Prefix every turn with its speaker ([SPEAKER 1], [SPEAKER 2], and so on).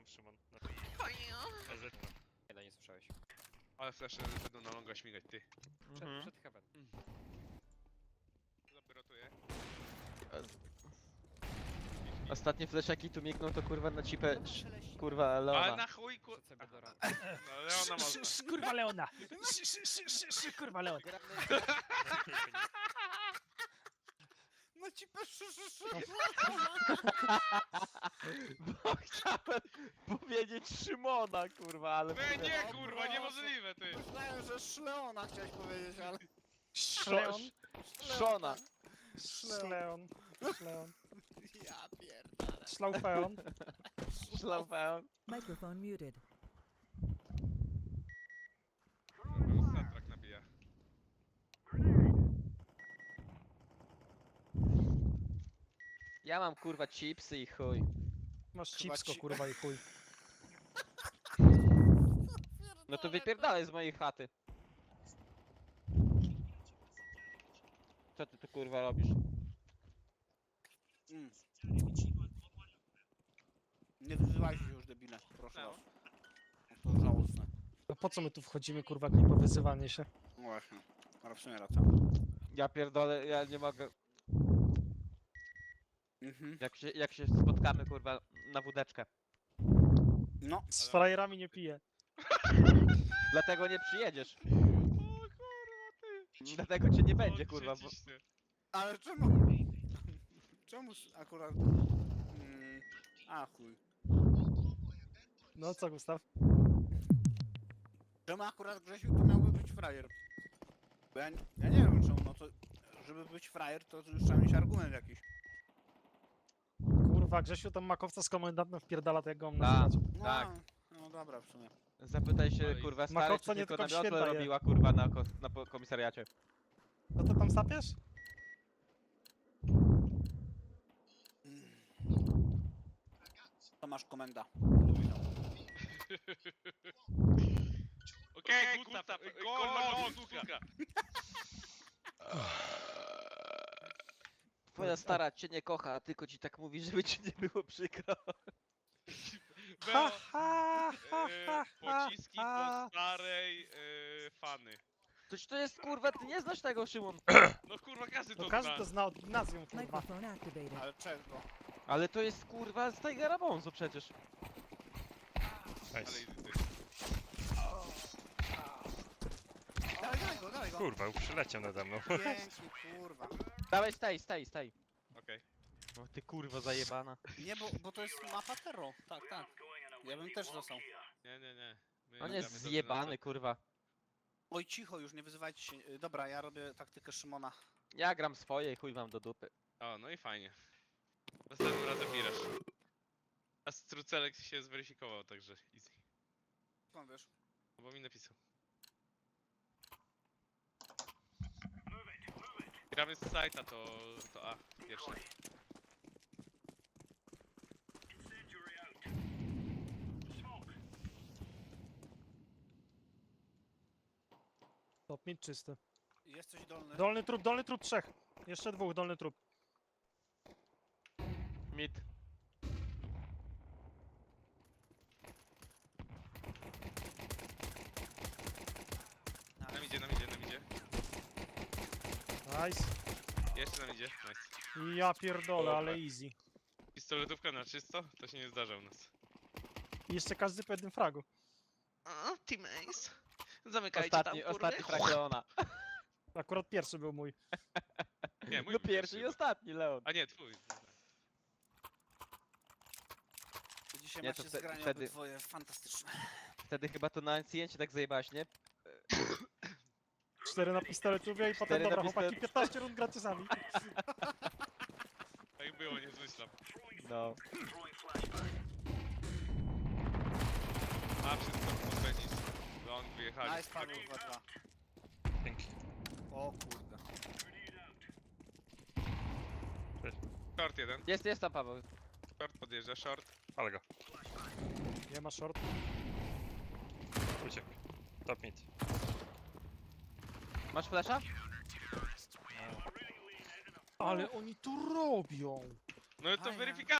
[SPEAKER 1] Szymon.
[SPEAKER 2] Jeden nie słyszałeś.
[SPEAKER 3] Ale flasze będą na longa śmigać, ty.
[SPEAKER 2] Przed heaven.
[SPEAKER 3] Zapirotuję.
[SPEAKER 4] Ostatnie fleszaki tu migną to kurwa na cipę, kurwa Leona.
[SPEAKER 3] Ale na chuj
[SPEAKER 2] Przed sobie do rana.
[SPEAKER 3] No Leona można.
[SPEAKER 1] Kurwa Leona! Kurwa Leona!
[SPEAKER 5] No ci
[SPEAKER 4] Bo chciałem powiedzieć Szymona, kurwa, ale...
[SPEAKER 3] Nie, kurwa, niemożliwe, ty.
[SPEAKER 5] Myślałem, że Szleona chciałeś powiedzieć, ale...
[SPEAKER 1] Szleon!
[SPEAKER 4] Szona.
[SPEAKER 1] Szleon! Szleon!
[SPEAKER 5] Ja pierdolę.
[SPEAKER 1] Szlaufeon!
[SPEAKER 4] Szlafałem.
[SPEAKER 6] Microphone muted.
[SPEAKER 3] Statrak nabija.
[SPEAKER 4] Ja mam kurwa chipsy i chuj.
[SPEAKER 1] Masz
[SPEAKER 5] Chyba
[SPEAKER 1] cipsko
[SPEAKER 5] ci-
[SPEAKER 1] kurwa i chuj.
[SPEAKER 4] No to wypierdalaj z mojej chaty. Co ty tu kurwa robisz?
[SPEAKER 5] Mm. Nie wyzywajcie się już, debile, proszę
[SPEAKER 3] No.
[SPEAKER 5] was. To żałosne.
[SPEAKER 1] No po co my tu wchodzimy kurwa, jak nie po wyzywanie się?
[SPEAKER 5] No właśnie, ale w sumie racja.
[SPEAKER 4] Ja pierdolę, ja nie mogę.
[SPEAKER 5] Mhm.
[SPEAKER 4] Jak się spotkamy kurwa na wódeczkę.
[SPEAKER 5] No,
[SPEAKER 1] Z frajerami nie piję.
[SPEAKER 4] Dlatego nie przyjedziesz.
[SPEAKER 3] O kurwa, ty.
[SPEAKER 4] Dlatego cię nie będzie kurwa, bo...
[SPEAKER 3] Odrzucisz się.
[SPEAKER 5] ale czemu? Czemu akurat... A chuj.
[SPEAKER 1] No co Gustaw?
[SPEAKER 5] Czemu akurat Grzesiu to miałby być frajer? Bo ja nie wiem czemu, no to... Żeby być frajer, to już trzeba mieć argument jakiś.
[SPEAKER 1] Kurwa, Grzesiu tam makowca z komendantem wpierdala, to jak go mam
[SPEAKER 4] Tak.
[SPEAKER 1] nazywać.
[SPEAKER 5] No,
[SPEAKER 4] Tak.
[SPEAKER 5] no dobra, w sumie.
[SPEAKER 4] Zapytaj się
[SPEAKER 3] Ale
[SPEAKER 4] kurwa stary,
[SPEAKER 1] makowca
[SPEAKER 4] czy
[SPEAKER 1] nie
[SPEAKER 4] tylko
[SPEAKER 1] tylko w
[SPEAKER 4] na miotle
[SPEAKER 1] święta je.
[SPEAKER 4] robiła kurwa na komisariacie.
[SPEAKER 1] No to tam sapiesz?
[SPEAKER 5] To masz komenda.
[SPEAKER 3] Okej, Gustaw, gol, suka.
[SPEAKER 4] Twoja stara cię nie kocha, tylko ci tak mówi, żeby ci nie było przykro.
[SPEAKER 3] Było
[SPEAKER 1] ha,
[SPEAKER 3] pociski po starej fany.
[SPEAKER 4] Toż to jest kurwa, ty nie znasz tego Szymon.
[SPEAKER 3] No kurwa, każdy to
[SPEAKER 1] To każdy
[SPEAKER 3] zna.
[SPEAKER 1] to zna od gimnazjum kurwa.
[SPEAKER 6] Microphone activated.
[SPEAKER 5] Ale czego?
[SPEAKER 4] Ale to jest kurwa z Tigera Bonzo przecież.
[SPEAKER 3] Ale
[SPEAKER 1] Nice.
[SPEAKER 3] ty.
[SPEAKER 5] Dawaj go, dawaj go.
[SPEAKER 1] Kurwa, już przyleciał nade mną.
[SPEAKER 5] Pięknie, kurwa.
[SPEAKER 4] Dawaj, staj.
[SPEAKER 3] Okej.
[SPEAKER 4] O ty kurwa zajebana.
[SPEAKER 5] Nie, bo to jest mapa Terro. Tak, tak. Ja bym też został.
[SPEAKER 3] Nie. My
[SPEAKER 4] On
[SPEAKER 3] gramy
[SPEAKER 4] jest
[SPEAKER 3] dobrze
[SPEAKER 4] zjebany
[SPEAKER 3] na
[SPEAKER 4] kurwa.
[SPEAKER 5] Oj, cicho, już nie wyzywajcie się. Dobra, ja robię taktykę Szymona.
[SPEAKER 4] Ja gram swoje i chuj wam do dupy.
[SPEAKER 3] to. O, no i fajnie. Następnym razem mirasz. A Strucelek się zweryfikował, także easy.
[SPEAKER 5] Skąd wiesz?
[SPEAKER 3] No bo mi napisał. Gramy z sajta, to A, pierwsze.
[SPEAKER 1] Top mid czysty.
[SPEAKER 5] Jesteś dolny.
[SPEAKER 1] Dolny trup trzech. Jeszcze dwóch, dolny trup.
[SPEAKER 4] Mid.
[SPEAKER 3] Nam idzie.
[SPEAKER 1] Nice.
[SPEAKER 3] Jeszcze nam idzie. Nice.
[SPEAKER 1] Ja pierdolę, ale easy.
[SPEAKER 3] Pistoletówka na czysto? To się nie zdarza u nas.
[SPEAKER 1] I jeszcze każdy po jednym fragu.
[SPEAKER 3] O, Team Ace. Zamykajcie
[SPEAKER 4] Ostatni frag Leona.
[SPEAKER 1] Akurat pierwszy był mój.
[SPEAKER 3] Nie, mój
[SPEAKER 4] No
[SPEAKER 3] był
[SPEAKER 4] pierwszy i
[SPEAKER 3] chyba.
[SPEAKER 4] ostatni Leon.
[SPEAKER 3] A nie, twój.
[SPEAKER 5] Dzisiaj
[SPEAKER 4] Nie, to
[SPEAKER 5] macie zgranie
[SPEAKER 4] wtedy-
[SPEAKER 5] obydwoje fantastyczne.
[SPEAKER 4] Wtedy chyba to na ancjencie tak zajebałaś, nie?
[SPEAKER 1] 4 na pistoletubie i potem
[SPEAKER 4] Cztery na
[SPEAKER 1] dobra chłopaki,
[SPEAKER 4] pistolet-
[SPEAKER 1] 15 rund gracie sami.
[SPEAKER 3] Tak było, nie zmyślam.
[SPEAKER 4] No.
[SPEAKER 3] A, wszystko pozbędzić. Long wyjechali.
[SPEAKER 5] Nice, Paweł, 2-2.
[SPEAKER 1] Dzięki.
[SPEAKER 5] O kurde.
[SPEAKER 3] Short jeden.
[SPEAKER 4] Jest tam Paweł.
[SPEAKER 3] Short podjeżdża, short.
[SPEAKER 1] Ale go. Nie ma short. Uciekł. Top mid.
[SPEAKER 4] Masz flasha?
[SPEAKER 1] Ale oni tu robią!
[SPEAKER 3] No to
[SPEAKER 5] Fajnie.
[SPEAKER 3] weryfikacja.